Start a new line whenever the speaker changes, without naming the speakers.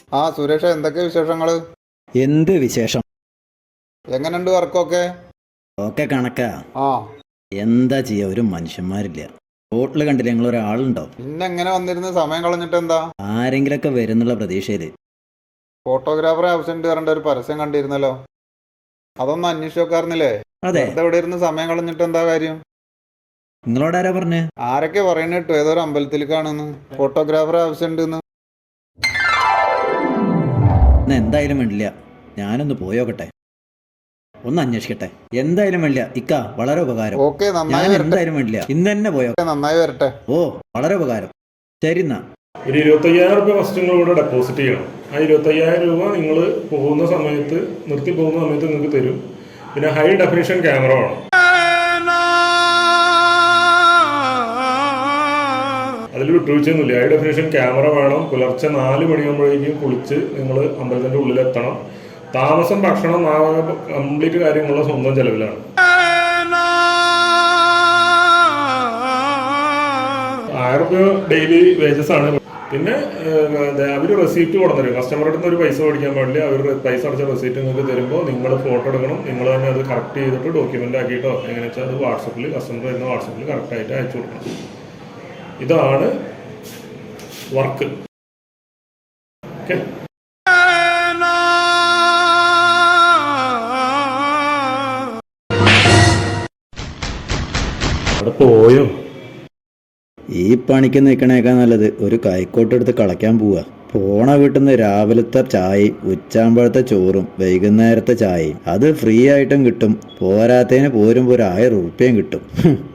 ആ സുരേഷ, എന്തൊക്കെ വിശേഷങ്ങള്?
എന്ത് വിശേഷം?
എങ്ങനെയുണ്ട് വർക്കൊക്കെ?
ഒക്കെ കണക്കാ.
ആ,
എന്താ ചെയ്യാ, ഒരു മനുഷ്യന്മാരില്ല. ഹോട്ടല് കണ്ടില്ല, ഞങ്ങൾ ഒരാളുണ്ടോ?
പിന്നെ എങ്ങനെ വന്നിരുന്ന് സമയം കളഞ്ഞിട്ട് എന്താ?
ആരെങ്കിലൊക്കെ വരുന്നുള്ള പ്രതീക്ഷയില്.
ഫോട്ടോഗ്രാഫറെ ആവശ്യമുണ്ട് പറഞ്ഞ ഒരു പരസ്യം കണ്ടിരുന്നല്ലോ. അതൊന്നും അന്വേഷിച്ച് നോക്കാറുന്നില്ലേ?
അതെ,
വെറുതെ ഇവിടെ ഇരുന്ന് സമയം കളഞ്ഞിട്ട് എന്താ കാര്യം?
നിങ്ങളോടാരാ പറഞ്ഞേ?
ആരൊക്കെ പറയുന്നത് കേട്ടു, ഏതൊരു അമ്പലത്തിലേക്കാണെന്ന് ഫോട്ടോഗ്രാഫറെ ആവശ്യമുണ്ടെന്ന്.
ഇന്ന് എന്തായാലും വേണ്ടില്ല, ഞാനൊന്ന് പോയോക്കട്ടെ, ഒന്ന് അന്വേഷിക്കട്ടെ. എന്തായാലും വേണ്ടില്ല ഇക്ക, വളരെ ഉപകാരം.
ഓക്കെ,
ഞാൻ
നന്നായി വരട്ടെ.
എന്തായാലും വേണ്ടില്ല, ഇന്ന് തന്നെ പോയോ.
നന്നായി വരട്ടെ.
ഓ, വളരെ ഉപകാരം. ശരി എന്നാ.
ഒരു 25,000 ഫസ്റ്റ് നിങ്ങൾ ഇവിടെ ഡെപ്പോസിറ്റ് ചെയ്യണം. ആ 25,000 നിങ്ങൾ പോകുന്ന സമയത്ത്, നിർത്തി പോകുന്ന സമയത്ത് നിങ്ങൾക്ക് തരും. പിന്നെ ഹൈ ഡെഫിനിഷൻ ക്യാമറ വേണം. അതിൽ വിട്ടുവീഴ്ചയൊന്നുമില്ല. ഹൈ ഡെഫിനിഷൻ ക്യാമറ വേണം. പുലർച്ചെ 4 മണിയാകുമ്പോഴേക്കും കുളിച്ച് നിങ്ങൾ അമ്പലത്തിൻ്റെ ഉള്ളിലെത്തണം. താമസം, ഭക്ഷണം, കംപ്ലീറ്റ് കാര്യങ്ങളുള്ള സ്വന്തം ചെലവിലാണ്. 1000 രൂപ ഡെയിലി വേജസ് ആണ്. പിന്നെ അവർ റെസീപ്റ്റ് കൊണ്ടുതരും. കസ്റ്റമറുടെ അടുത്ത് ഒരു പൈസ മേടിക്കാൻ പാടില്ല. അവർ പൈസ അടച്ച റെസീപ്റ്റ് നിങ്ങൾക്ക് തരുമ്പോൾ നിങ്ങൾ ഫോട്ടോ എടുക്കണം. നിങ്ങൾ തന്നെ അത് കറക്റ്റ് ചെയ്തിട്ട് ഡോക്യുമെൻ്റ് ആക്കിയിട്ടോ എങ്ങനെ വെച്ചാൽ അത് വാട്സപ്പിൽ, കസ്റ്റമർ വരുന്ന വാട്സപ്പിൽ കറക്റ്റായിട്ട് അയച്ചു കൊടുക്കണം. ഇതാണ് വർക്ക്. ഓക്കെ, അവിടെ പോയോ?
ഈ പണിക്ക് നിൽക്കണേക്കാൾ നല്ലത് ഒരു കൈക്കോട്ട് എടുത്ത് കളയ്ക്കാൻ പോവുക. പോണ വീട്ടിൽ നിന്ന് രാവിലത്തെ ചായയും ഉച്ചാമ്പഴത്തെ ചോറും വൈകുന്നേരത്തെ ചായയും അത് ഫ്രീ ആയിട്ടും കിട്ടും. പോരാത്തതിന് പോരുമ്പോൾ ഒരു 1000 ഉറുപ്പ്യയും കിട്ടും.